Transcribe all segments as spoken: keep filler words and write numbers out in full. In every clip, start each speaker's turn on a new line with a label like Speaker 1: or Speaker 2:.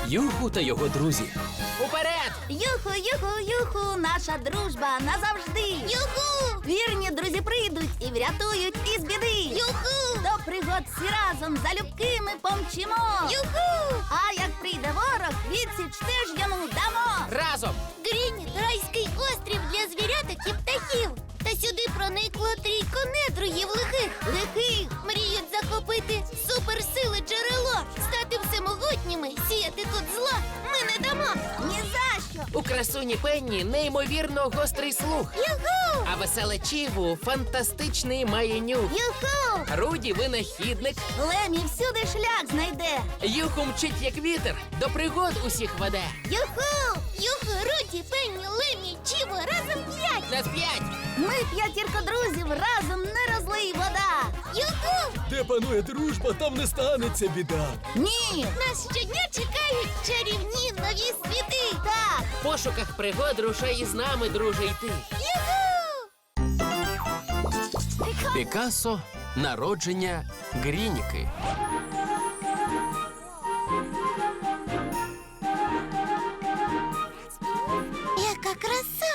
Speaker 1: Юху та його друзі. Уперед!
Speaker 2: Юху, юху, юху, наша дружба назавжди. Юху! Вірні друзі прийдуть і врятують із біди. Юху! До пригод всі разом залюбки ми помчимо. Юху! А як прийде ворог, відсіч теж йому дамо.
Speaker 1: Разом!
Speaker 3: Грініт – райський острів для звіряток і птахів. Та сюди проникло трійко недругів лихих.
Speaker 2: Лихих!
Speaker 3: Мріють захопити суперсили джерело, стати всемогутніми, сіяти тут зла ми не дамо.
Speaker 2: Ні за що!
Speaker 1: У красуні Пенні неймовірно гострий слух.
Speaker 3: Юху!
Speaker 1: А веселе Чіву фантастичний має нюх.
Speaker 2: Юху!
Speaker 1: Руді винахідник.
Speaker 2: Лемі всюди шлях знайде.
Speaker 1: Юху мчить як вітер, до пригод усіх веде.
Speaker 2: Юху!
Speaker 3: Юху, Руді, Пенні, Лемі, Чіво, разом п'ять!
Speaker 1: На п'ять!
Speaker 2: Ми п'ятірка друзів, разом не розлий вода.
Speaker 3: Юху!
Speaker 4: Де панує дружба, там не станеться біда.
Speaker 2: Ні!
Speaker 3: Нас щодня чекають чарівні нові світи!
Speaker 2: Так!
Speaker 1: В пошуках пригод рушай із нами, друже, йти.
Speaker 3: Юху!
Speaker 1: Пікассо. Народження Грініки.
Speaker 3: Яка краса!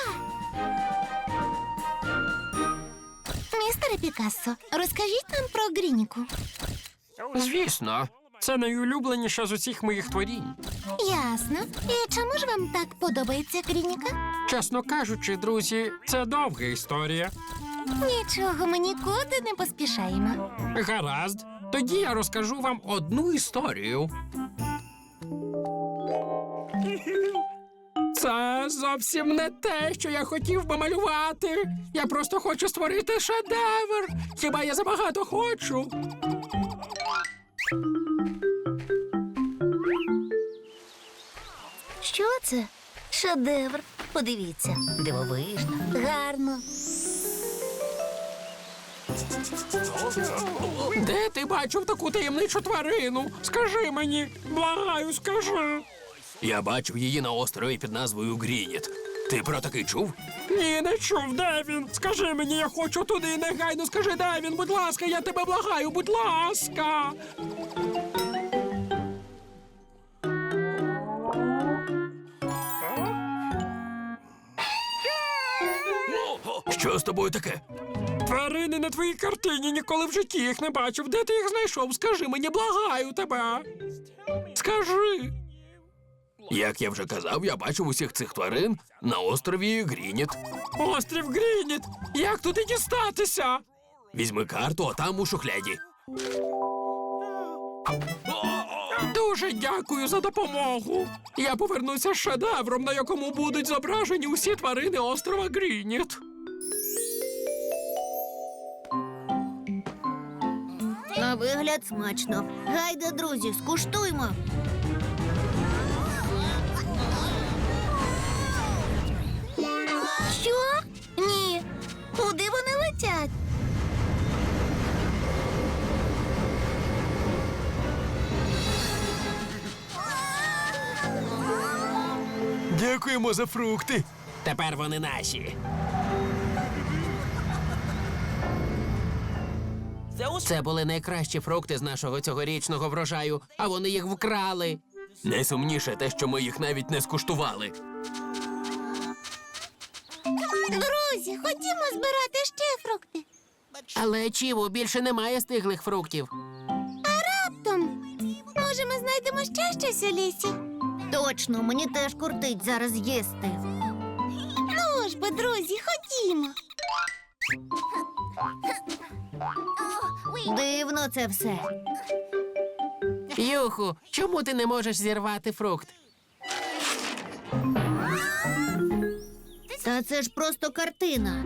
Speaker 3: Містере Пікассо, розкажіть нам про Грініку.
Speaker 5: Звісно, це найулюбленіша з усіх моїх творінь.
Speaker 3: Ясно. І чому ж вам так подобається Грініка?
Speaker 5: Чесно кажучи, друзі, це довга історія.
Speaker 3: Нічого, ми нікуди не поспішаємо.
Speaker 5: Гаразд, тоді я розкажу вам одну історію. Це зовсім не те, що я хотів би малювати. Я просто хочу створити шедевр. Хіба я забагато хочу?
Speaker 2: Що це? Шедевр. Подивіться. Дивовижно. Гарно.
Speaker 5: Де ти бачив таку таємничу тварину? Скажи мені, благаю, скажи.
Speaker 1: Я бачив її на острові під назвою Грініт. Ти про такий чув?
Speaker 5: Ні, не чув, де він? Скажи мені, я хочу туди, негайно скажи, де він, будь ласка, я тебе благаю, будь ласка.
Speaker 1: Що з тобою таке?
Speaker 5: Тварини на твоїй картині, ніколи в житті їх не бачив. Де ти їх знайшов? Скажи мені, благаю тебе. Скажи.
Speaker 1: Як я вже казав, я бачив усіх цих тварин на острові Грініт.
Speaker 5: Острів Грініт. Як туди дістатися?
Speaker 1: Візьми карту, а там у шухляді.
Speaker 5: Дуже дякую за допомогу. Я повернуся з шедевром, на якому будуть зображені усі тварини острова Грініт.
Speaker 2: На вигляд смачно. Гайда, друзі, скуштуймо. Що? Ні. Куди вони летять?
Speaker 4: Дякуємо за фрукти.
Speaker 1: Тепер вони наші. Це були найкращі фрукти з нашого цьогорічного врожаю, а вони їх вкрали. Найсумніше те, що ми їх навіть не скуштували.
Speaker 3: Друзі, ходімо збирати ще фрукти.
Speaker 1: Але, Чіво, більше немає стиглих фруктів.
Speaker 3: Раптом, може, ми знайдемо ще щось у лісі?
Speaker 2: Точно, мені теж кортить зараз їсти.
Speaker 3: Ну ж бо, друзі, ходімо.
Speaker 2: Дивно це все.
Speaker 1: Юху, чому ти не можеш зірвати фрукт?
Speaker 2: Та це ж просто картина.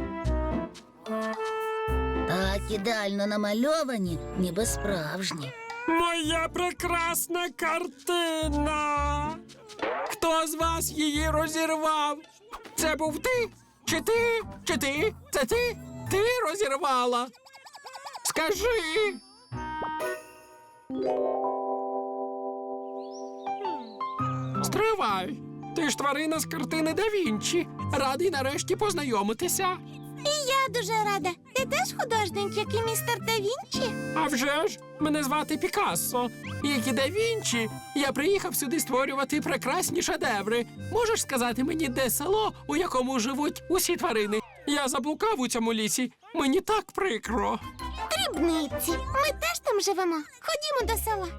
Speaker 2: Так ідеально намальовані, ніби справжні.
Speaker 5: Моя прекрасна картина. Хто з вас її розірвав? Це був ти? Чи ти? Чи ти? Це ти? Ти розірвала? Скажи. Стривай. Ти ж тварина з картини Да Вінчі. Радий нарешті познайомитися.
Speaker 3: І я я дуже рада. Ти теж художник, як і містер Да Вінчі?
Speaker 5: А вже ж, мене звати Пікассо. Як і Да Вінчі, я приїхав сюди створювати прекрасні шедеври. Можеш сказати мені, де село, у якому живуть усі тварини? Я заблукав у цьому лісі. Мені так прикро.
Speaker 3: Дрібниці. Ми теж там живемо. Ходімо до села.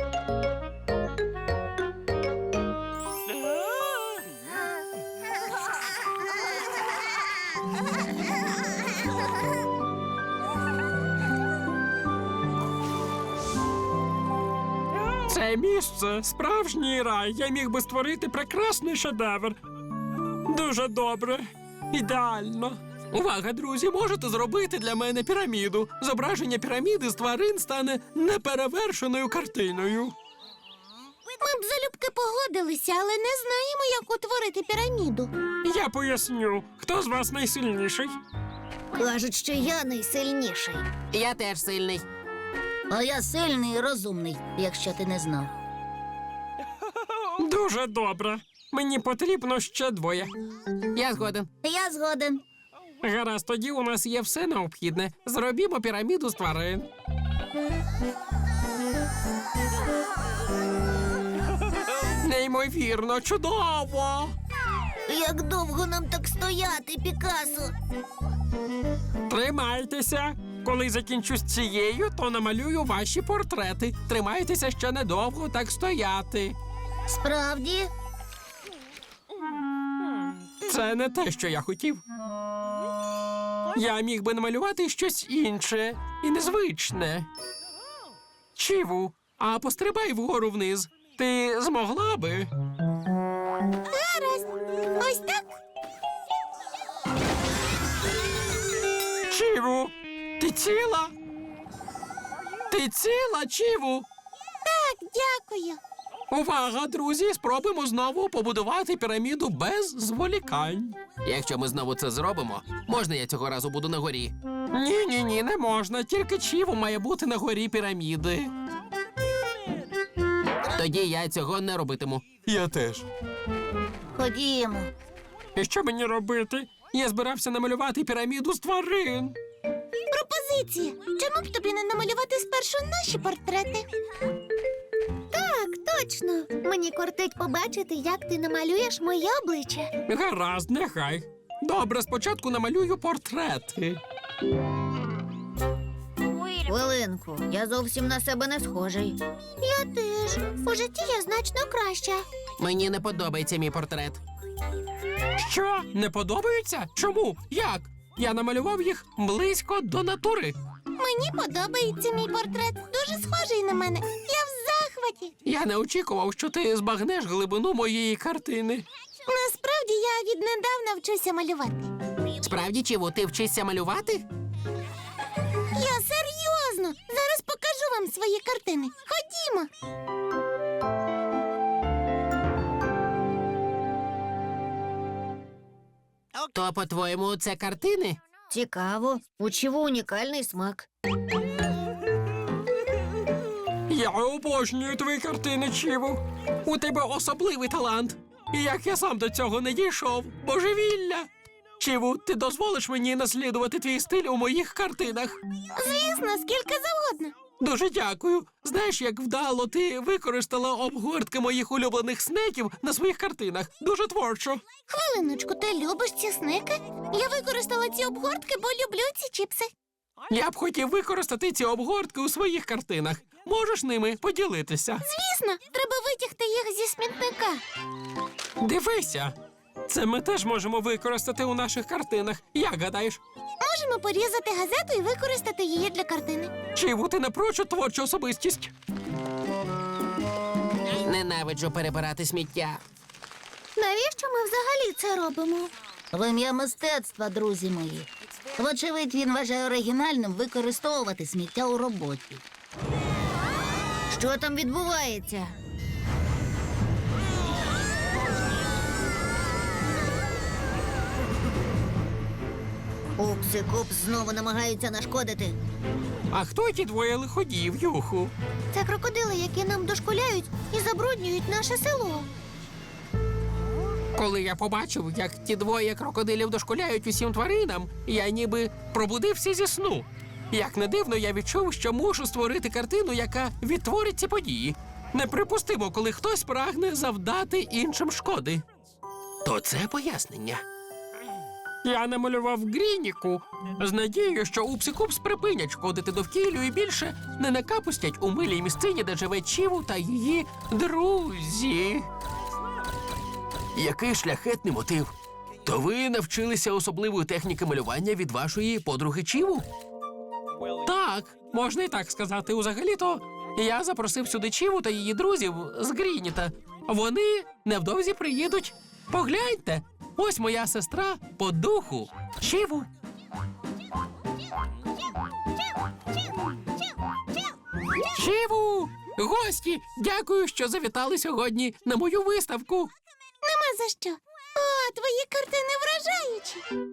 Speaker 5: Це місце справжній рай. Я міг би створити прекрасний шедевр. Дуже добре. Ідеально. Увага, друзі, можете зробити для мене піраміду. Зображення піраміди з тварин стане неперевершеною картиною.
Speaker 3: Ми б залюбки погодилися, але не знаємо, як утворити піраміду.
Speaker 5: Я поясню, хто з вас найсильніший?
Speaker 3: Кажуть, що я найсильніший.
Speaker 1: Я теж сильний.
Speaker 2: А я сильний і розумний, якщо ти не знав.
Speaker 5: Дуже добре. Мені потрібно ще двоє.
Speaker 1: Я згоден.
Speaker 2: Я згоден.
Speaker 5: Гаразд, тоді у нас є все необхідне. Зробімо піраміду з тварин. Неймовірно, чудово!
Speaker 3: Як довго нам так стояти, Пікассо?
Speaker 5: Тримайтеся. Коли закінчу з цією, то намалюю ваші портрети. Тримайтеся ще недовго так стояти.
Speaker 2: Справді?
Speaker 5: Це не те, що я хотів. Я міг би намалювати щось інше і незвичне. Чіву, а пострибай вгору вниз. Ти змогла би?
Speaker 3: Гаразд. Ось так?
Speaker 5: Чіву, ти ціла? Ти ціла, Чіву?
Speaker 3: Так, дякую.
Speaker 5: Увага, друзі, спробуємо знову побудувати піраміду без зволікань.
Speaker 1: Якщо ми знову це зробимо, можна я цього разу буду на горі?
Speaker 5: Ні, ні, ні, не можна. Тільки Чіву має бути на горі піраміди.
Speaker 1: Тоді я цього не робитиму.
Speaker 4: Я теж.
Speaker 2: Ходімо.
Speaker 5: І що мені робити? Я збирався намалювати піраміду з тварин.
Speaker 3: Пропозиція. Чому б тобі не намалювати спершу наші портрети? Так, точно. Мені кортить побачити, як ти намалюєш моє обличчя.
Speaker 5: Гаразд, нехай. Добре, спочатку намалюю портрети.
Speaker 2: Хвилинку, я зовсім на себе не схожий.
Speaker 3: Я теж. У житті я значно краща.
Speaker 1: Мені не подобається мій портрет.
Speaker 5: Що? Не подобаються? Чому? Як? Я намалював їх близько до натури.
Speaker 3: Мені подобається мій портрет. Дуже схожий на мене. Я в захваті.
Speaker 5: Я не очікував, що ти збагнеш глибину моєї картини.
Speaker 3: Насправді я віднедавна вчуся малювати.
Speaker 1: Справді, Чіву, ти вчишся малювати?
Speaker 3: Я серйозно. Зараз покажу вам свої картини. Ходімо.
Speaker 1: То, по-твоєму, це картини?
Speaker 2: Цікаво. У Чіву унікальний смак.
Speaker 5: Я обожнюю твої картини, Чіву. У тебе особливий талант. І як я сам до цього не дійшов. Божевілля. Чіву, ти дозволиш мені наслідувати твій стиль у моїх картинах?
Speaker 3: Звісно, скільки завгодно.
Speaker 5: Дуже дякую. Знаєш, як вдало ти використала обгортки моїх улюблених снеків на своїх картинах. Дуже творчо.
Speaker 3: Хвилиночку, ти любиш ці сники? Я використала ці обгортки, бо люблю ці чіпси.
Speaker 5: Я б хотів використати ці обгортки у своїх картинах. Можеш ними поділитися?
Speaker 3: Звісно, треба витягти їх зі смітника.
Speaker 5: Дивися. Це ми теж можемо використати у наших картинах. Як гадаєш?
Speaker 3: Можемо порізати газету і використати її для картини.
Speaker 5: Чіву, ти напрочуд творчу особистість.
Speaker 1: Ненавиджу перебирати сміття.
Speaker 3: Навіщо ми взагалі це робимо?
Speaker 2: В ім'я мистецтва, друзі мої. Вочевидь, він вважає оригінальним використовувати сміття у роботі. Що там відбувається? Упс і Купс знову намагаються нашкодити.
Speaker 5: А хто ті двоє лиходіїв, Юху?
Speaker 3: Це крокодили, які нам дошкуляють і забруднюють наше село.
Speaker 5: Коли я побачив, як ті двоє крокодилів дошкуляють усім тваринам, я ніби пробудився зі сну. Як не дивно, я відчув, що мушу створити картину, яка відтворить ці події. Неприпустимо, коли хтось прагне завдати іншим шкоди.
Speaker 1: То це пояснення.
Speaker 5: Я намалював Грініку з надією, що Упсі-Купс припинять шкодити довкіллю і більше не накапустять у милій місцині, де живе Чіву та її друзі.
Speaker 1: Який шляхетний мотив. То ви навчилися особливої техніки малювання від вашої подруги Чіву?
Speaker 5: Так, можна і так сказати. Узагалі-то я запросив сюди Чіву та її друзів з Грініта. Вони невдовзі приїдуть. Погляньте, ось моя сестра по духу Чіву. Чіву! Гості, дякую, що завітали сьогодні на мою виставку.
Speaker 3: Нема за що. О, твої картини вражаючі.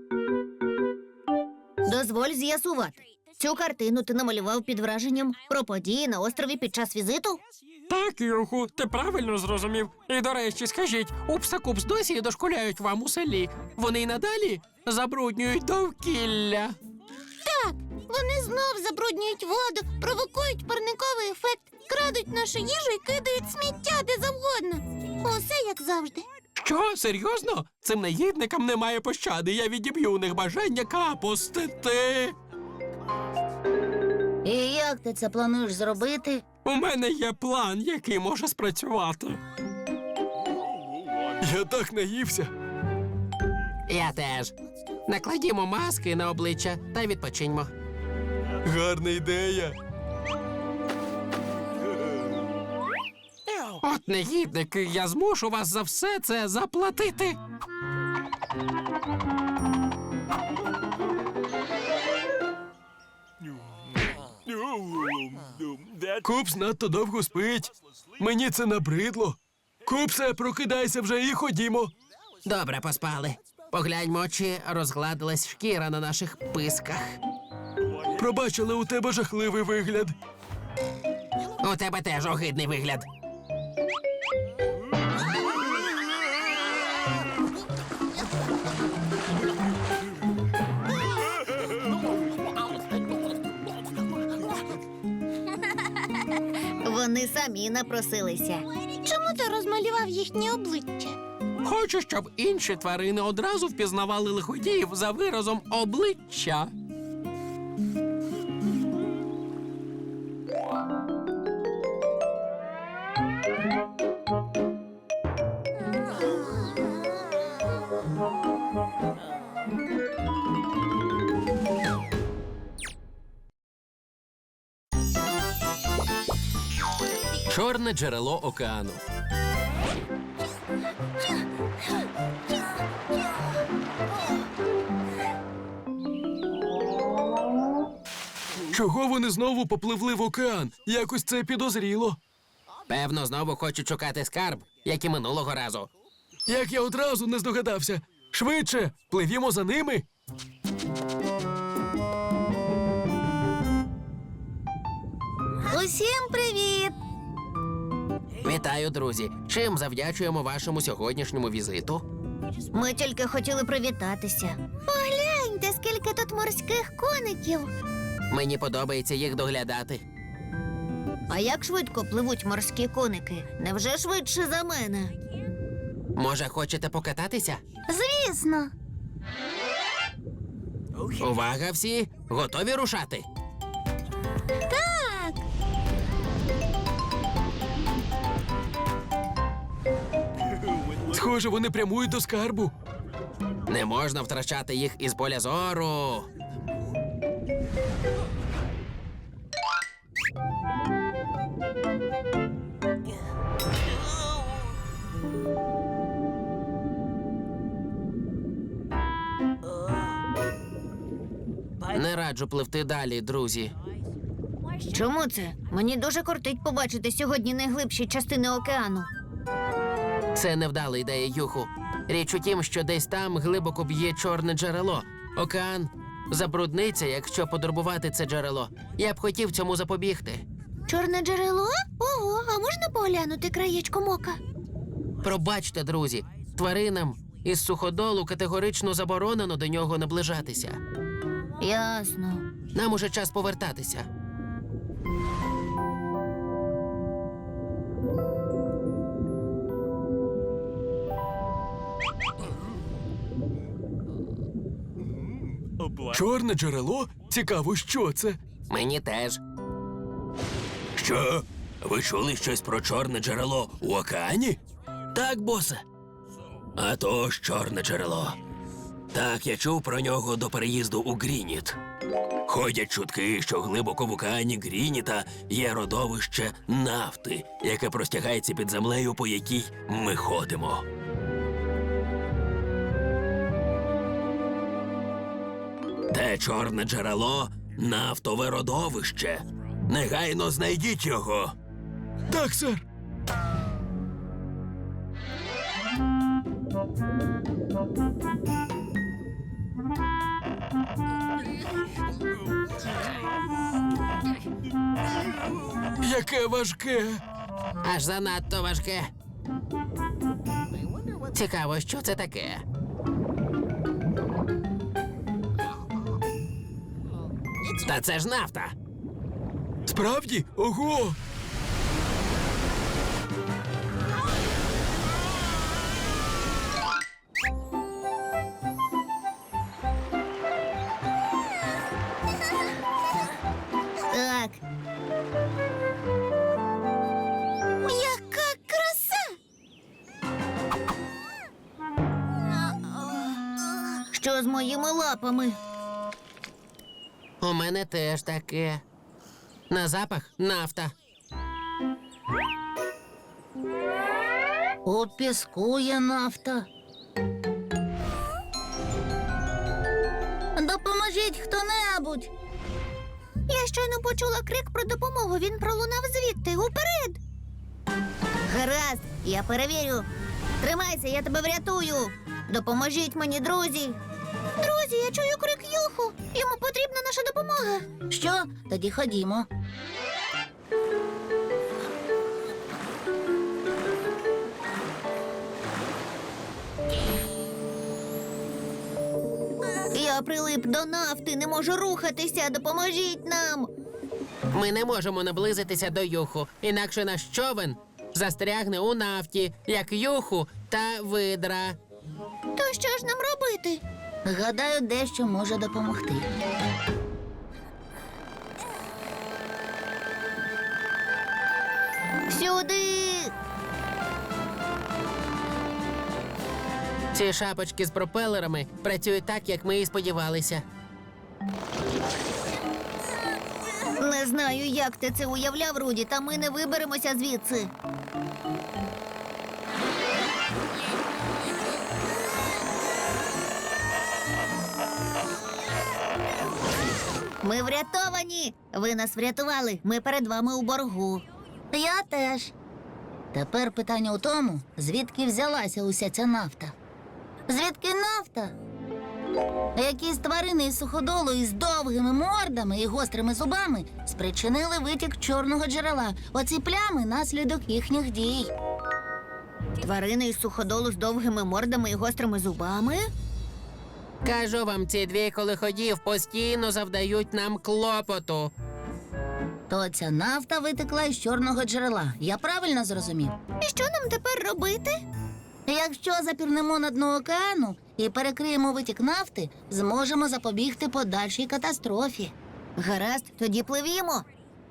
Speaker 3: Дозволь з'ясувати. Цю картину ти намалював під враженням про події на острові під час візиту?
Speaker 5: Так, Юху, ти правильно зрозумів. І, до речі, скажіть, Упса-Купс досі дошкуляють вам у селі. Вони й надалі забруднюють довкілля.
Speaker 3: Так, вони знов забруднюють воду, провокують парниковий ефект, крадуть нашу їжу і кидають сміття де завгодно. Усе як завжди.
Speaker 5: Що, серйозно? Цим наїдникам немає пощади. Я відіб'ю у них бажання капустити.
Speaker 2: І як ти це плануєш зробити?
Speaker 5: У мене є план, який може спрацювати.
Speaker 4: Я так наївся.
Speaker 1: Я теж. Накладімо маски на обличчя та відпочиньмо.
Speaker 4: Гарна ідея.
Speaker 5: От негідники, я змушу вас за все це заплатити.
Speaker 4: Купс надто довго спить. Мені це набридло. Купсе, прокидайся вже і ходімо.
Speaker 1: Добре, поспали. Погляньмо, чи розгладилась шкіра на наших писках.
Speaker 4: Пробачили, у тебе жахливий вигляд.
Speaker 1: У тебе теж огидний вигляд.
Speaker 3: Вони самі напросилися. Чому ти розмалював їхні обличчя?
Speaker 5: Хочу, щоб інші тварини одразу впізнавали лиходіїв за виразом обличчя.
Speaker 1: Чорне джерело океану.
Speaker 4: Чого вони знову попливли в океан? Якось це підозріло.
Speaker 1: Певно, знову хочуть шукати скарб, як і минулого разу.
Speaker 4: Як я одразу не здогадався. Швидше, пливімо за ними.
Speaker 2: Усім привіт!
Speaker 1: Вітаю, друзі. Чим завдячуємо вашому сьогоднішньому візиту?
Speaker 3: Ми тільки хотіли привітатися. Погляньте, скільки тут морських коників.
Speaker 1: Мені подобається їх доглядати.
Speaker 3: А як швидко пливуть морські коники? Невже швидше за мене?
Speaker 1: Може, хочете покататися?
Speaker 2: Звісно.
Speaker 1: Увага всі! Готові рушати?
Speaker 2: Так.
Speaker 4: Схоже, вони прямують до скарбу.
Speaker 1: Не можна втрачати їх із поля зору. Не раджу пливти далі, друзі.
Speaker 3: Чому це? Мені дуже кортить побачити сьогодні найглибші частини океану.
Speaker 1: Це невдала ідея, Юху. Річ у тім, що десь там глибоко б'є чорне джерело. Океан забрудниться, якщо подорбувати це джерело. Я б хотів цьому запобігти.
Speaker 3: Чорне джерело? Ого, а можна поглянути краєчком ока?
Speaker 1: Пробачте, друзі, Тваринам із суходолу категорично заборонено до нього наближатися.
Speaker 2: Ясно.
Speaker 1: Нам уже час повертатися.
Speaker 4: Чорне джерело? Цікаво, що це?
Speaker 1: Мені теж.
Speaker 4: Що? Ви чули щось про чорне джерело у океані?
Speaker 1: Так, босе.
Speaker 4: А то ж чорне джерело. Так, я чув про нього до переїзду у Грініт. Ходять чутки, що глибоко в океані Грініта є родовище нафти, яке простягається під землею, по якій ми ходимо. Те чорне джерело – нафтове родовище. Негайно знайдіть його. Так, сер. Яке важке.
Speaker 1: Аж занадто важке. Цікаво, що це таке. Та це ж нафта.
Speaker 4: Справді? Ого!
Speaker 2: Так.
Speaker 3: Яка краса!
Speaker 2: Що з моїми лапами?
Speaker 1: У мене теж таке. На запах нафта.
Speaker 2: У піску є нафта. Допоможіть хто-небудь.
Speaker 3: Я щойно почула крик про допомогу. Він пролунав звідти. Уперед!
Speaker 2: Гаразд, я перевірю. Тримайся, я тебе врятую. Допоможіть мені, друзі.
Speaker 3: Друзі, я чую крик Юху. Йому потрібна наша допомога.
Speaker 2: Що? Тоді ходімо. Я прилип до нафти, не можу рухатися. Допоможіть нам.
Speaker 1: Ми не можемо наблизитися до юху, інакше наш човен застрягне у нафті, як юху та видра.
Speaker 3: То що ж нам робити?
Speaker 2: Гадаю, дещо може допомогти. Сюди!
Speaker 1: Ці шапочки з пропелерами працюють так, як ми і сподівалися.
Speaker 2: Не знаю, як ти це уявляв, Руді, та ми не виберемося звідси. Ми врятовані! Ви нас врятували. Ми перед вами у боргу. Я теж. Тепер питання у тому, звідки взялася уся ця нафта. Звідки нафта? Якісь тварини із суходолу із довгими мордами і гострими зубами спричинили витік чорного джерела. Оці плями – наслідок їхніх дій. Тварини із суходолу з довгими мордами і гострими зубами? Кажу вам, ці двійко лиходіїв постійно завдають нам клопоту. То ця нафта витекла із чорного джерела. Я правильно зрозумів?
Speaker 3: І що нам тепер робити?
Speaker 2: Якщо запірнемо на дно океану і перекриємо витік нафти, зможемо запобігти подальшій катастрофі. Гаразд, тоді пливімо.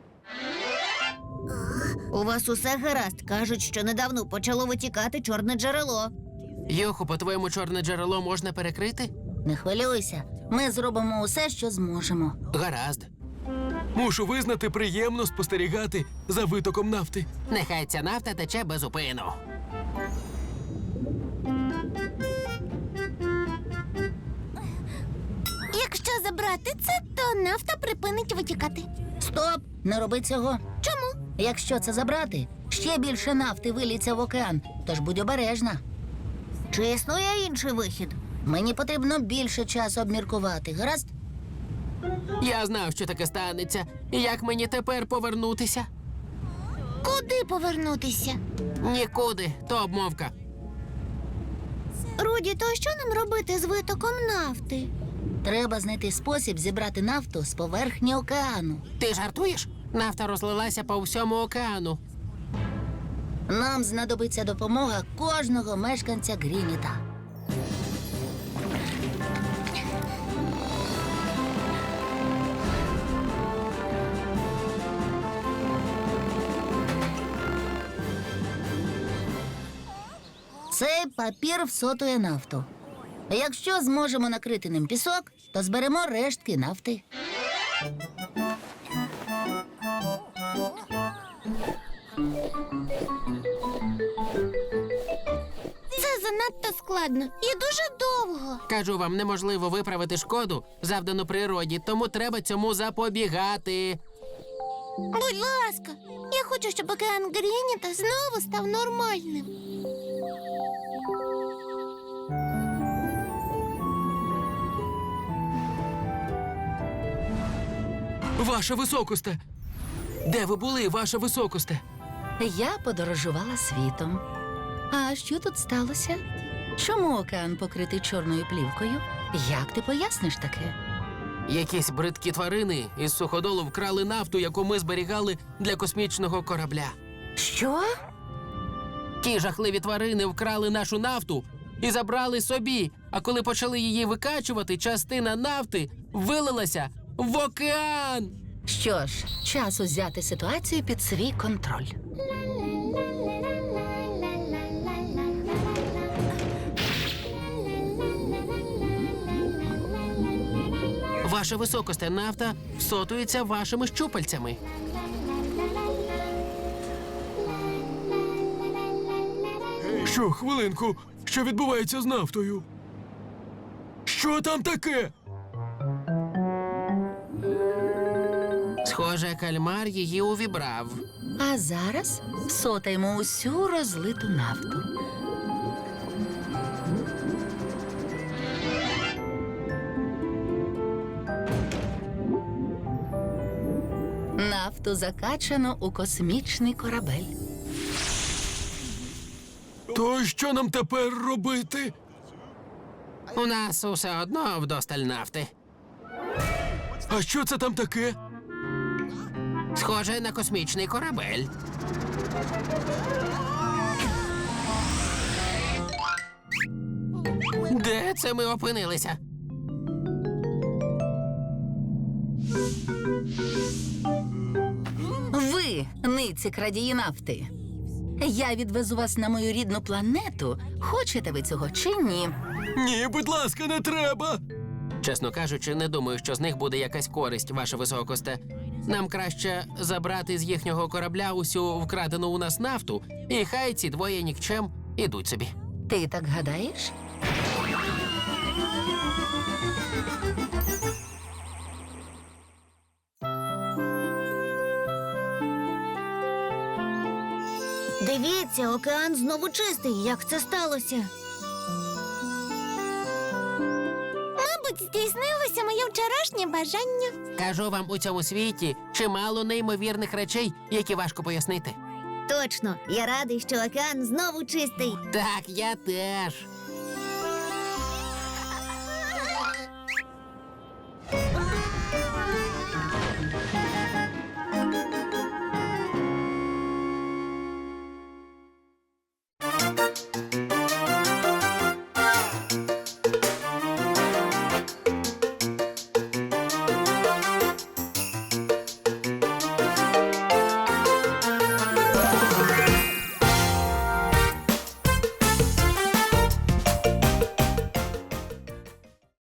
Speaker 2: У вас усе гаразд. Кажуть, що недавно почало витікати чорне джерело.
Speaker 1: Юху, по-твоєму, чорне джерело можна перекрити?
Speaker 2: Не хвилюйся. Ми зробимо усе, що зможемо.
Speaker 1: Гаразд.
Speaker 4: Мушу визнати, приємно спостерігати за витоком нафти.
Speaker 1: Нехай ця нафта тече без упину.
Speaker 3: Якщо забрати це, то нафта припинить витікати.
Speaker 2: Стоп! Не роби цього.
Speaker 3: Чому?
Speaker 2: Якщо це забрати, ще більше нафти виліться в океан, тож будь обережна. Чи існує інший вихід? Мені потрібно більше часу обміркувати, гаразд?
Speaker 1: Я знав, що таке станеться. І як мені тепер повернутися?
Speaker 3: Куди повернутися?
Speaker 1: Нікуди, то обмовка.
Speaker 3: Руді, то що нам робити з витоком нафти?
Speaker 2: Треба знайти спосіб зібрати нафту з поверхні океану.
Speaker 1: Ти жартуєш? Нафта розлилася по всьому океану.
Speaker 2: Нам знадобиться допомога кожного мешканця Грініта. Цей папір всотує нафту. Якщо зможемо накрити ним пісок, то зберемо рештки нафти.
Speaker 3: Це занадто складно і дуже довго.
Speaker 1: Кажу вам, неможливо виправити шкоду, завдану природі, тому треба цьому запобігати.
Speaker 3: Будь ласка, я хочу, щоб океан Грініта знову став нормальним.
Speaker 1: Ваша високосте! Де ви були, ваша високосте?
Speaker 2: Я подорожувала світом. А що тут сталося? Чому океан покритий чорною плівкою? Як ти поясниш таке?
Speaker 1: Якісь бридкі тварини із суходолу вкрали нафту, яку ми зберігали для космічного корабля.
Speaker 2: Що?
Speaker 1: Ті жахливі тварини вкрали нашу нафту і забрали собі. А коли почали її викачувати, частина нафти вилилася в океан.
Speaker 2: Що ж, час узяти ситуацію під свій контроль.
Speaker 1: Ваша високосте, нафта всотується вашими щупальцями.
Speaker 5: Що, хвилинку, що відбувається з нафтою? Що там таке?
Speaker 1: Схоже, кальмар її увібрав.
Speaker 2: А зараз всотаємо усю розлиту нафту. Нафту закачано у космічний корабель.
Speaker 5: То що нам тепер робити?
Speaker 1: У нас усе одно вдосталь нафти.
Speaker 5: А що це там таке?
Speaker 1: Схоже на космічний корабель. Де це ми опинилися?
Speaker 2: Ви, ниці крадії нафти. Я відвезу вас на мою рідну планету. Хочете ви цього чи ні?
Speaker 5: Ні, будь ласка, не треба.
Speaker 1: Чесно кажучи, не думаю, що з них буде якась користь, ваша високосте. Нам краще забрати з їхнього корабля усю вкрадену у нас нафту, і хай ці двоє нікчем ідуть собі.
Speaker 2: Ти так гадаєш?
Speaker 3: Дивіться, океан знову чистий. Як це сталося? Мабуть, здійснилося моє вчорашнє бажання.
Speaker 1: Кажу вам, у цьому світі чимало неймовірних речей, які важко пояснити.
Speaker 3: Точно, я радий, що океан знову чистий.
Speaker 1: Так, я теж.